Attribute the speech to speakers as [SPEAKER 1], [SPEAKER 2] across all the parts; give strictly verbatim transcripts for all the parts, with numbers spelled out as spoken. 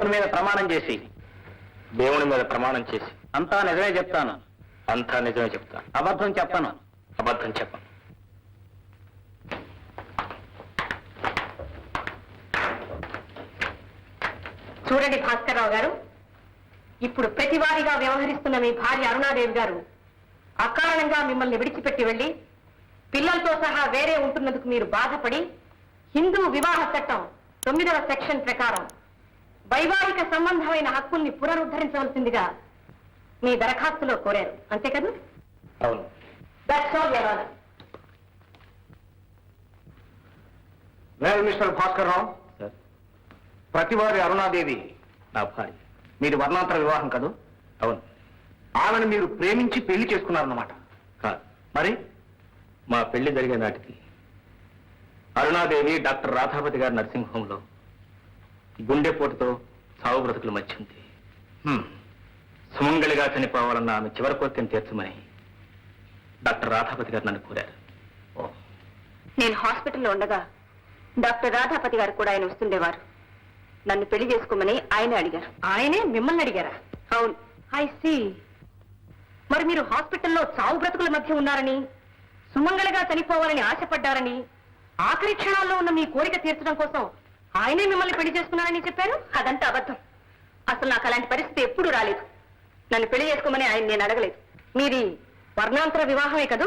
[SPEAKER 1] దేవుని మీద ప్రమాణం చేసి
[SPEAKER 2] దేవుని మీద ప్రమాణం చేసి
[SPEAKER 1] అంతా నిజమే చెప్తాను.
[SPEAKER 2] అంతా నిజమే చెప్తాను.
[SPEAKER 1] అబద్ధం చెప్పను.
[SPEAKER 2] అబద్ధం చెప్పను.
[SPEAKER 3] చూడండి భాస్కర్రావు గారు, ఇప్పుడు ప్రతివారిగా వ్యవహరిస్తున్న మీ భార్య అరుణాదేవి గారు అకారణంగా మిమ్మల్ని విడిచిపెట్టి వెళ్లి పిల్లలతో సహా వేరే ఉంటున్నందుకు మీరు బాధపడి హిందూ వివాహ చట్టం తొమ్మిదవ సెక్షన్ ప్రకారం వైవాహిక సంబంధమైన హక్కుల్ని పునరుద్ధరించవలసిందిగా మీ దరఖాస్తులో కోరారు, అంతే కదా?
[SPEAKER 2] అవును.
[SPEAKER 3] That's all your honour.
[SPEAKER 1] Well mister Bhaskar Rao,
[SPEAKER 2] sir,
[SPEAKER 1] ప్రతివారి అరుణాదేవి
[SPEAKER 2] నా భార్య.
[SPEAKER 1] మీది వర్ణాంతర వివాహం కదూ?
[SPEAKER 2] అవును.
[SPEAKER 1] ఆమెను మీరు ప్రేమించి పెళ్లి చేసుకున్నారన్నమాట.
[SPEAKER 2] కాదు.
[SPEAKER 1] మరి
[SPEAKER 2] మా పెళ్లి జరిగే నాటికి అరుణాదేవి డాక్టర్ రాధాపతి గారి నర్సింగ్ హోంలో గుండెపోటుతో సావు బ్రతుకుల మధ్య ఉంది. సుమంగళిగా చనిపోవాలన్న ఆమె చివరి కోరికను తీర్చమని డాక్టర్ రాధాపతి గారు నన్ను కోరారు.
[SPEAKER 3] నేను హాస్పిటల్లో ఉండగా డాక్టర్ రాధాపతి గారు కూడా ఆయన వస్తుండేవారు. నన్ను పెళ్లి చేసుకోమని ఆయనే అడిగారు. ఆయనే మిమ్మల్ని అడిగారా? అవును. I see. మరి మీరు హాస్పిటల్లో చావు బ్రతుకుల మధ్య ఉన్నారని, సుమంగళిగా చనిపోవాలని ఆశపడ్డారని, ఆఖరి క్షణాల్లో ఉన్న మీ కోరిక తీర్చడం కోసం ఆయనే మిమ్మల్ని పెళ్లి చేసుకున్నారని చెప్పారు. అదంతా అబద్ధం. అసలు నాకు అలాంటి పరిస్థితి ఎప్పుడూ రాలేదు. నన్ను పెళ్లి చేసుకోమని ఆయన నేను అడగలేదు. మీది వర్ణాంతర వివాహమే కదూ?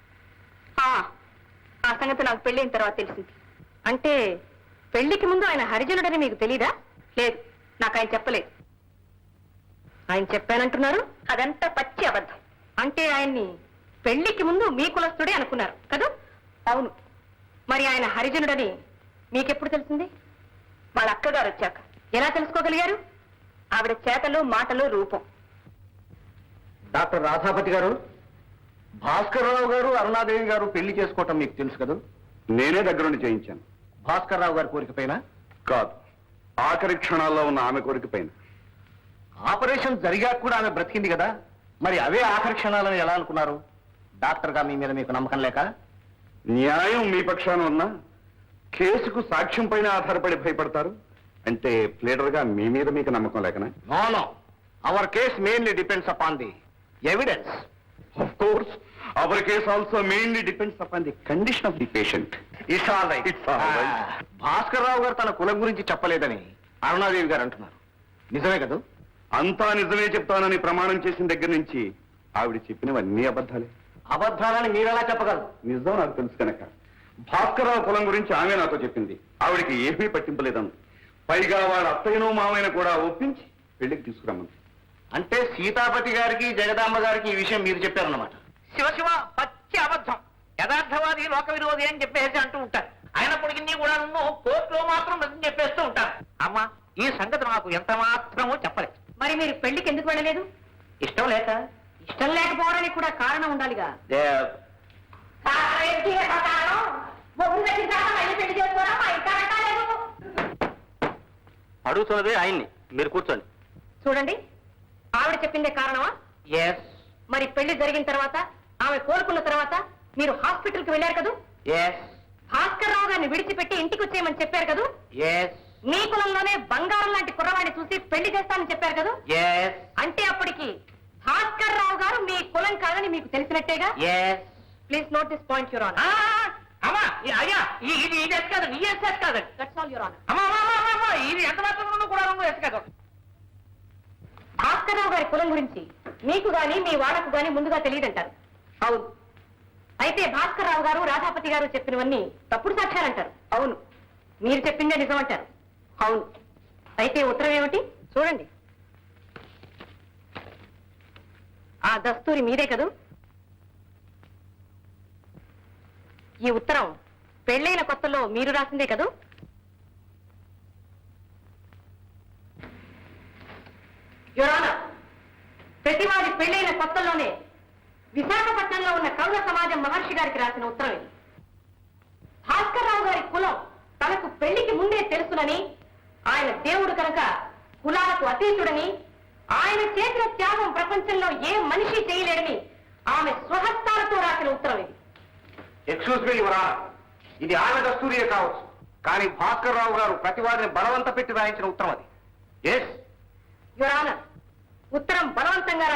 [SPEAKER 3] ఆ సంగతి నాకు పెళ్ళైన తర్వాత తెలిసింది. అంటే పెళ్లికి ముందు ఆయన హరిజనుడని మీకు తెలీదా? లేదు, నాకు ఆయన చెప్పలేదు. ఆయన చెప్పానంటున్నారు? అదంతా పచ్చి అబద్ధం. అంటే ఆయన్ని పెళ్లికి ముందు మీ కులస్తుడే అనుకున్నారు కదూ? అవును. మరి ఆయన హరిజనుడని మీకెప్పుడు తెలిసింది? వాళ్ళ అక్కగారు వచ్చాక. ఎలా తెలుసుకోగలిగారు? ఆవిడ చేతలు, మాటలు, రూపం.
[SPEAKER 1] డాక్టర్ రాధాపతి గారు, భాస్కర్రావు గారు అరుణాదేవి గారు పెళ్లి చేసుకోవటం మీకు తెలుసు కదూ?
[SPEAKER 4] నేనే దగ్గరుండి చేయించాను.
[SPEAKER 1] భాస్కర్రావు గారి కోరిక పైన
[SPEAKER 4] కాదు, ఆఖరి క్షణాల్లో ఉన్న ఆమె కోరిక పైన.
[SPEAKER 1] ఆపరేషన్ జరిగాక కూడా ఆమె బ్రతికింది కదా, మరి అవే ఆఖరి క్షణాలని ఎలా అనుకున్నారు? డాక్టర్ గా మీ మీద మీకు నమ్మకం లేక?
[SPEAKER 4] న్యాయం మీ పక్షాన ఉన్నా కేసుకు సాక్ష్యం పైన ఆధారపడి భయపడతారు అంటే ప్లేడర్ గా మీ మీద మీకు నమ్మకం లేకనా?
[SPEAKER 1] No no, our case mainly depends upon the evidence.
[SPEAKER 4] Of course, our case also mainly depends upon the condition of the patient.
[SPEAKER 1] It's all right.
[SPEAKER 4] It's all right.
[SPEAKER 1] Bhaskar Rao గారు తన కులం గురించి చెప్పలేదని అరుణాదేవి గారు అంటున్నారు. నిజమే కదూ?
[SPEAKER 4] అంతా నిజమే చెప్తానని ప్రమాణం చేసిన దగ్గర నుంచి ఆవిడ చెప్పినవన్నీ అబద్ధాలే.
[SPEAKER 1] అబద్ధాలని మీరెలా చెప్పగలరు?
[SPEAKER 4] నిజం నాకు తెలుసు కనుక. భాస్కర్రావు కులం గురించి ఆమె నాతో చెప్పింది. ఆవిడికి ఏమీ పట్టింపలేదంది. పైగా వాళ్ళ అత్తయ్యను మామయ్యను కూడా ఒప్పించి పెళ్లికి తీసుకురమ్మంది.
[SPEAKER 1] అంటే సీతాపతి గారికి జగదాంబ గారికి ఈ విషయం మీరు చెప్పారన్నమాట.
[SPEAKER 5] శివశివ, పచ్చి అబద్ధం. యథార్థవాది లోక విరోధి అని చెప్పేసి అంటూ ఉంటారు. అయినప్పటికీ కూడా నువ్వు కోర్టులో మాత్రం నిజం చెప్పేస్తూ ఉంటారు. అమ్మా, ఈ సంగతి నాకు ఎంత మాత్రమో చెప్పలేదు.
[SPEAKER 3] మరి మీరు పెళ్లికి ఎందుకు వెళ్ళలేదు?
[SPEAKER 5] ఇష్టం లేక.
[SPEAKER 3] ఇష్టం లేకపోవడానికి కూడా కారణం ఉండాలిగా.
[SPEAKER 2] అడుగుతున్నదే ఆయన్ని, మీరు కూర్చోండి.
[SPEAKER 3] చూడండి, ఆవిడ చెప్పిందే కారణమా?
[SPEAKER 5] ఎస్
[SPEAKER 3] మరి పెళ్లి జరిగిన తర్వాత, ఆమె కోలుకున్న తర్వాత మీరు హాస్పిటల్ కి వెళ్ళారు కదూ?
[SPEAKER 5] ఎస్
[SPEAKER 3] భాస్కర్ రావు గారిని విడిచిపెట్టి ఇంటికి వచ్చేయమని చెప్పారు కదూ?
[SPEAKER 5] ఎస్
[SPEAKER 3] మీ కులంలోనే బంగారం లాంటి కుర్రవాడిని చూసి పెళ్లి చేస్తానని చెప్పారు కదూ?
[SPEAKER 5] ఎస్
[SPEAKER 3] అంటే అప్పటికి భాస్కర్ రావు గారు మీ కులం కాదని మీకు తెలిసినట్టేగా?
[SPEAKER 5] Yes
[SPEAKER 3] please note this point your honour.
[SPEAKER 5] అమ్మా, అయ్యా, ఇది ఇది ఎస్ కాదు, నీ ఎస్ ఎస్ కాదు.
[SPEAKER 3] That's all your honour.
[SPEAKER 5] అమ్మా అమ్మా, ఇది ఎంత మాత్రం కూడా ఎస్ కాదు.
[SPEAKER 3] భాస్కర్ రావు గారి కులం గురించి మీకు గాని మీ వాళ్ళకు గాని ముందుగా తెలియదంటారు. అవును. అయితే భాస్కర్ రావు గారు రాధాపతి గారు చెప్పినవన్నీ తప్పుడు సాక్ష్యాలంటారు. అవును. మీరు చెప్పిందే నిజం అంటారు. అవును. అయితే ఉత్తరం ఏమిటి? చూడండి. ఆ దస్తూరి మీదే కదూ? ఈ ఉత్తరం పెళ్లైన కొత్తలో మీరు రాసిందే కదూ? యువర్ ఆనర్, ప్రతివాది పెళ్లైన కొత్తలోనే విశాఖపట్నంలో ఉన్న కౌల సమాజం మహర్షి గారికి రాసిన ఉత్తరం ఇది. భాస్కర్ రావు గారి కులం తనకు పెళ్లికి ముందే తెలుసునని, ఆయన దేవుడు కనుక కులాలకు అతీతుడని, ఆయన చేసిన త్యాగం ప్రపంచంలో ఏ మనిషి చేయలేడని ఆమె స్వహస్తాలతో రాసిన ఉత్తరం ఇది.
[SPEAKER 1] ఎక్స్క్యూజ్ మీ యువర్ ఆనర్, ఇది ఆమె దస్తూరియే కావచ్చు, కానీ భాస్కర్ రావు గారు ప్రతివాదిని బలవంత పెట్టి రాయించిన ఉత్తరం అది. ఎస్,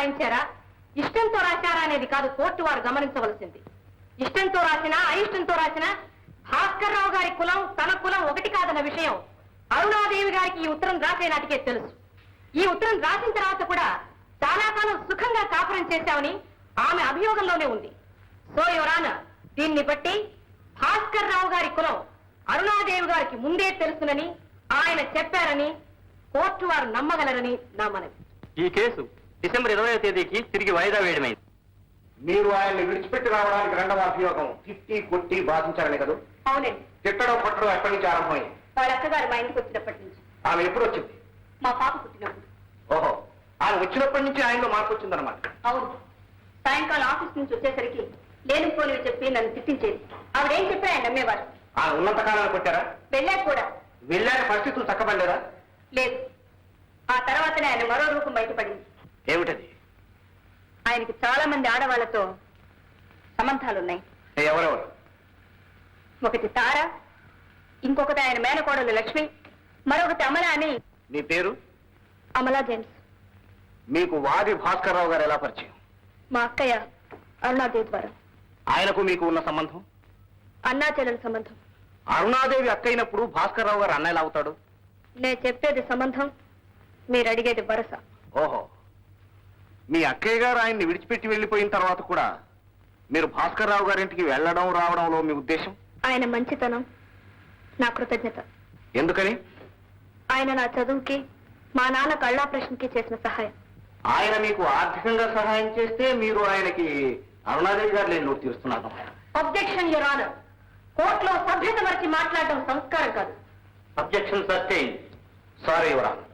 [SPEAKER 3] రాయించారా ఇష్టంతో రాశారా అనేది కాదు కోర్టు వారు గమనించవలసింది. ఇష్టంతో రాసినా అయిష్టంతో రాసినా భాస్కర్ రావు గారి కులం తన కులం ఒకటి కాదన్న విషయం అరుణాదేవి గారికి ఈ ఉత్తరం రాసే నాటికే తెలుసు. ఈ ఉత్తరం రాసిన తర్వాత కూడా చాలా కాలం సుఖంగా కాపురం చేశామని ఆమె అభియోగంలోనే ఉంది. సో యువరాన దీన్ని బట్టి భాస్కర్ రావు గారి కులం అరుణాదేవి గారికి ముందే తెలుసునని ఆయన చెప్పారని కోర్టు వారు నమ్మగలరని నా మనవి.
[SPEAKER 2] ఈ కేసు డిసెంబర్ ఇరవై తేదీకి తిరిగి వాయిదా వేయడమైంది.
[SPEAKER 1] మీరు ఆయన్ని విడిచిపెట్టి రావడానికి రెండవ అభియోగం తిట్టి కొట్టి బాధించారని కదా?
[SPEAKER 3] అవునండి.
[SPEAKER 1] తిట్టడం కొట్టడం ఎప్పటి నుంచి ఆరంభమైంది?
[SPEAKER 3] వాళ్ళ అక్కగారు మా ఇంటికి వచ్చినప్పటి నుంచి.
[SPEAKER 1] ఆమె ఎప్పుడు వచ్చింది?
[SPEAKER 3] మా పాప పుట్టినప్పుడు.
[SPEAKER 1] ఓహో, ఆయన వచ్చినప్పటి నుంచి ఆయనలో మార్పు వచ్చిందనమాట.
[SPEAKER 3] అవును. సాయంకాలం ఆఫీస్ నుంచి వచ్చేసరికి లేని పోలివి చెప్పి నన్ను తిట్టించేది. ఆవిడేం చెప్పి ఆయన నమ్మేవారు.
[SPEAKER 1] ఆయన ఉన్నంత కాలాన్ని కొట్టారా?
[SPEAKER 3] వెళ్ళాక కూడా.
[SPEAKER 1] వెళ్ళాక పరిస్థితులు చక్కబడలేదా?
[SPEAKER 3] లేదు. ఆ తర్వాతనే ఆయన మరో రూపం బయటపడింది.
[SPEAKER 1] ఏమిటది?
[SPEAKER 3] ఆయనకి చాలా మంది ఆడవాళ్లతో సంబంధాలున్నాయి.
[SPEAKER 1] ఎవరెవరు?
[SPEAKER 3] ఒకటి తార, ఇంకొకటి ఆయన మేనకోడలు లక్ష్మి, మరొకటి అమల అని.
[SPEAKER 1] మీ పేరు?
[SPEAKER 3] అమలా జేమ్స్.
[SPEAKER 1] మీకు వాది భాస్కర్ రావు గారు ఎలా పరిచయం?
[SPEAKER 3] మా అక్కయ్య అరుణాదేవి ద్వారా.
[SPEAKER 1] ఆయనకు మీకు ఉన్న సంబంధం?
[SPEAKER 3] అన్నా చెల్లెల సంబంధం.
[SPEAKER 1] అరుణాదేవి అక్కయినప్పుడు భాస్కర్ రావు గారు అన్న ఎలా అవుతాడు?
[SPEAKER 3] నేను చెప్పేది సంబంధం, మీరు అడిగేది వరస.
[SPEAKER 1] ఓహో, మీ అక్కయ్య గారు ఆయన్ని విడిచిపెట్టి వెళ్ళిపోయిన తర్వాత కూడా మీరు భాస్కర్ రావు గారింటికి వెళ్ళడం రావడంలో మీ ఉద్దేశం?
[SPEAKER 3] ఆయన మంచితనం, నా కృతజ్ఞత.
[SPEAKER 1] ఎందుకని?
[SPEAKER 3] ఆయన నా చదువుకి మా నాన్న కళ్ళాపరేషన్కి చేసిన సహాయం.
[SPEAKER 1] ఆయన మీకు ఆర్థికంగా సహాయం చేస్తే మీరు ఆయనకి అరుణాదేవి గారు లేని లోటు తీరుస్తున్నారు.
[SPEAKER 3] Objection your honour. కోర్టులో సభ్యత మరిచి మాట్లాడడం సంస్కారం కాదు.
[SPEAKER 1] Objection sustain. Sorry your honour.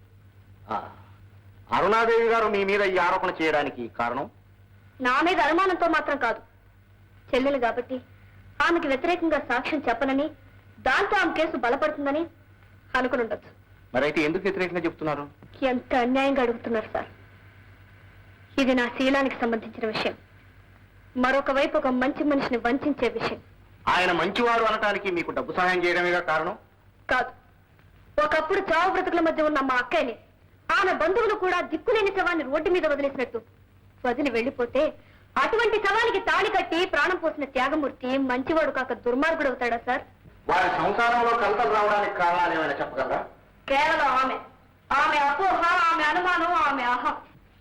[SPEAKER 1] Arunadevi గారు మీ మీద ఈ ఆరోపణ చేయడానికి కారణం?
[SPEAKER 3] నా మీద అనుమానంతో మాత్రం కాదు. చెల్లెలు కాబట్టి ఆమెకి వ్యతిరేకంగా సాక్ష్యం చెప్పనని, దాంతో ఆమె కేసు బలపడుతుందని అనుకుని ఉండొచ్చు.
[SPEAKER 1] మరైతే ఎందుకు వ్యతిరేకంగా చెప్తున్నారు?
[SPEAKER 3] ఎంత అన్యాయంగా అడుగుతున్నారు సార్. ఇది నా శీలానికి సంబంధించిన విషయం. మరొక వైపు ఒక మంచి మనిషిని వంచే విషయం.
[SPEAKER 1] ఆయన మంచివారు అనటానికి మీకు డబ్బు సహాయం చేయడమేగా కారణం?
[SPEAKER 3] కాదు. ఒకప్పుడు చావు బ్రతుకుల మధ్య ఉన్న మా అక్కయ్యని ఆమె బంధువులు కూడా దిక్కులేని శవాన్ని రోడ్డు మీద వదిలేసినట్టు వదిలి వెళ్లిపోతే అటువంటి శవానికి తాళి కట్టి ప్రాణం పోసిన త్యాగమూర్తి మంచివాడు కాక దుర్మార్గుడు అవుతాడా సార్?
[SPEAKER 1] వారి సంసారంలో కలతలు రావడానికి కారణాలు ఏమైనా చెప్పగలరా?
[SPEAKER 3] కేవలం ఆమె ఆమె అపోహ, ఆమె అనుమానం, ఆమె అహం.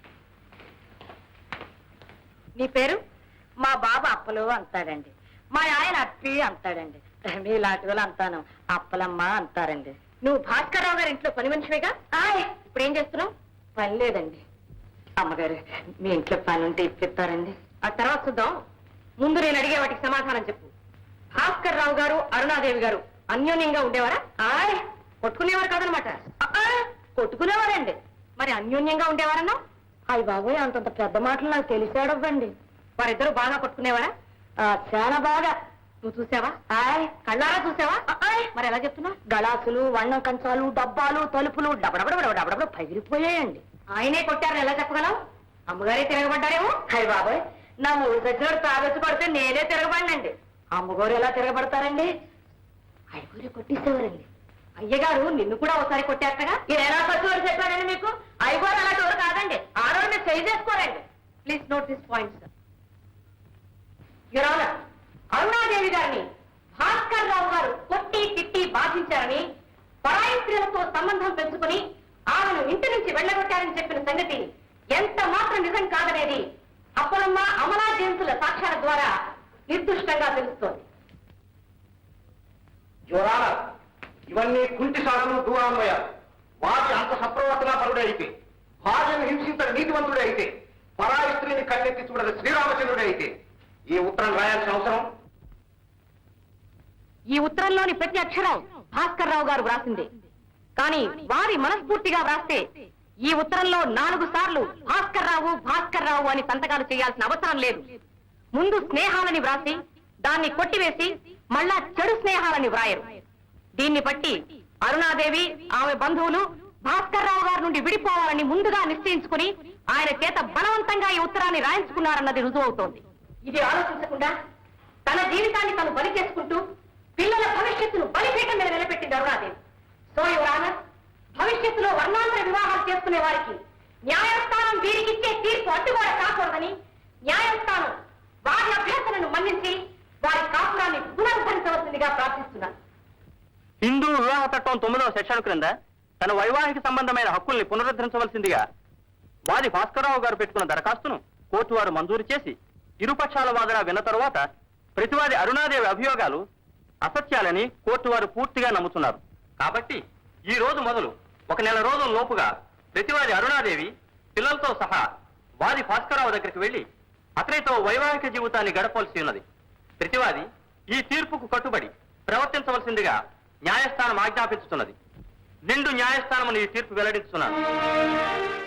[SPEAKER 3] నీ పేరు?
[SPEAKER 6] మా బాబా అప్పలు అంటాడండి, మా ఆయన అప్పి అంటాడండి, మీలాంటి వాళ్ళు అంతాను అప్పలమ్మ అంటారండి.
[SPEAKER 3] నువ్వు భాస్కర్ రావు గారి ఇంట్లో పని మనిషివేగా? ఆయ్, ఇప్పుడు ఏం చేస్తున్నావు?
[SPEAKER 6] పని లేదండి. అమ్మగారు, మీ ఇంట్లో పని ఉంటే ఇప్పిస్తారండి.
[SPEAKER 3] ఆ తర్వాత చూద్దాం. ముందు నేను అడిగే వాటికి సమాధానం చెప్పు. భాస్కర్ రావు గారు అరుణాదేవి గారు అన్యోన్యంగా ఉండేవారా?
[SPEAKER 6] ఆయ్,
[SPEAKER 3] కొట్టుకునేవారు కాదనమాట.
[SPEAKER 6] కొట్టుకునేవారండి.
[SPEAKER 3] మరి అన్యోన్యంగా ఉండేవారన్నా?
[SPEAKER 6] అయ్య బాబోయ్, అంతంత పెద్ద మాటలు నాకు తెలిసాడవ్వండి.
[SPEAKER 3] వారిద్దరూ బాగా కొట్టుకునేవారా?
[SPEAKER 6] చాలా బాగా.
[SPEAKER 3] నువ్వు చూసావా?
[SPEAKER 6] ఆయ్,
[SPEAKER 3] కళ్ళారా చూసావా? మరి ఎలా చెప్తున్నా?
[SPEAKER 6] గలాసులు, వన్నం కంచాలు, డబ్బాలు, తలుపులు డబడబడ డబడబడ పగిలిపోయాయండి.
[SPEAKER 3] ఆయనే కొట్టారని ఎలా చెప్పగలవు? అమ్మగారే తిరగబడ్డారేమో.
[SPEAKER 6] అయ్య బాబాయ్, నా ఊరి సచ్చినోడు తాగొచ్చి కొడితే నేనే తిరగబడినండి. అమ్మగారు ఎలా తిరగబడతారండి? అయ్యగారు కొట్టేసేవారండి.
[SPEAKER 3] అయ్యగారు నిన్ను కూడా ఒకసారి కొట్టారటగా?
[SPEAKER 6] ఇది ఎలా సచ్చినోడు చెప్పానండి మీకు? అయ్యగారు అలాంటి వారు కాదండి, ఆడవాళ్ళు మీరు చేయి చేసుకోరండి.
[SPEAKER 3] Please note this point sir. Your honour, Arunadevi గారిని భాస్కర్ రావు గారు కొట్టి తిట్టి బాధించారని, పరాయి స్త్రీలతో సంబంధం పెంచుకుని ఆమెను ఇంటి నుంచి వెళ్ళగొట్టారని చెప్పిన సంగతి ఎంత మాత్రం నిజం కాదనేది అప్పలమ్మ, అమలా జేమ్సుల సాక్ష్యాల ద్వారా నిర్దుష్టంగా తెలుస్తోంది.
[SPEAKER 1] యువరానా, ఇవన్నీ కుంటి సాకులు, దూరాన్వయాలు. వాటి అంత సప్రవర్తనా పరుడే అయితే, భార్యను హింసించని నీతివంతుడే అయితే, పరాయి స్త్రీని కన్నెత్తి చూడని శ్రీరామచంద్రుడే అయితే ఈ ఉత్తరం రాయాల్సిన అవసరం?
[SPEAKER 3] ఈ ఉత్తరంలోని ప్రతి అక్షరం భాస్కర్ రావు గారు వ్రాసింది. కానీ వారి మనస్ఫూర్తిగా వ్రాస్తే ఈ ఉత్తరంలో నాలుగు సార్లు భాస్కర్ రావు భాస్కర్ రావు అని సంతకాలు చేయాల్సిన అవసరం లేదు. ముందు స్నేహాలని వ్రాసి దాన్ని కొట్టివేసి మళ్ళా చెడు స్నేహాలని వ్రాయరు. దీన్ని బట్టి అరుణాదేవి, ఆమె బంధువులు భాస్కర్ రావు గారి నుండి విడిపోవాలని ముందుగా నిశ్చయించుకుని ఆయన చేత బలవంతంగా ఈ ఉత్తరాన్ని రాయించుకున్నారన్నది రుజువవుతోంది. ఇది ఆలోచించకుండా తన జీవితాన్ని తను బలి చేసుకుంటూ పిల్లల భవిష్యత్తును బలిపీఠం మీద నిలబెట్టింది అరుణాదేవి. సో యువర్ ఆనర్, భవిష్యత్తులో వర్ణాంతర వివాహాలు చేసుకునే వారికి
[SPEAKER 6] న్యాయస్థానం వీరికిచ్చే తీర్పు అడ్డుగోడ కాకూడదని న్యాయస్థానం వారి అభ్యర్థనను మన్నించి వారి కాపురాన్ని పునరుద్ధరించవలసిందిగా ప్రార్థిస్తున్నాను.
[SPEAKER 2] హిందూ వివాహ చట్టం తొమ్మిదవ సెక్షన్ క్రింద తన వైవాహిక సంబంధమైన హక్కుల్ని పునరుద్ధరించవలసిందిగా వాది భాస్కరరావు గారు పెట్టుకున్న దరఖాస్తును కోర్టు వారు మంజూరు చేసి ఇరుపక్షాల వాదన విన్న తరువాత ప్రతివాది అరుణాదేవి అభియోగాలు అసత్యాలని కోర్టు వారు పూర్తిగా నమ్ముతున్నారు. కాబట్టి ఈ రోజు మొదలు ఒక నెల రోజుల లోపుగా ప్రతివాది అరుణాదేవి పిల్లలతో సహా వాది భాస్కరరావు దగ్గరికి వెళ్లి అతనితో వైవాహిక జీవితాన్ని గడపవలసి ఉన్నది. ప్రతివాది ఈ తీర్పుకు కట్టుబడి ప్రవర్తించవలసిందిగా న్యాయస్థానం ఆజ్ఞాపించుతున్నది. నిండు న్యాయస్థానం ఈ తీర్పు వెల్లడించుతున్నారు.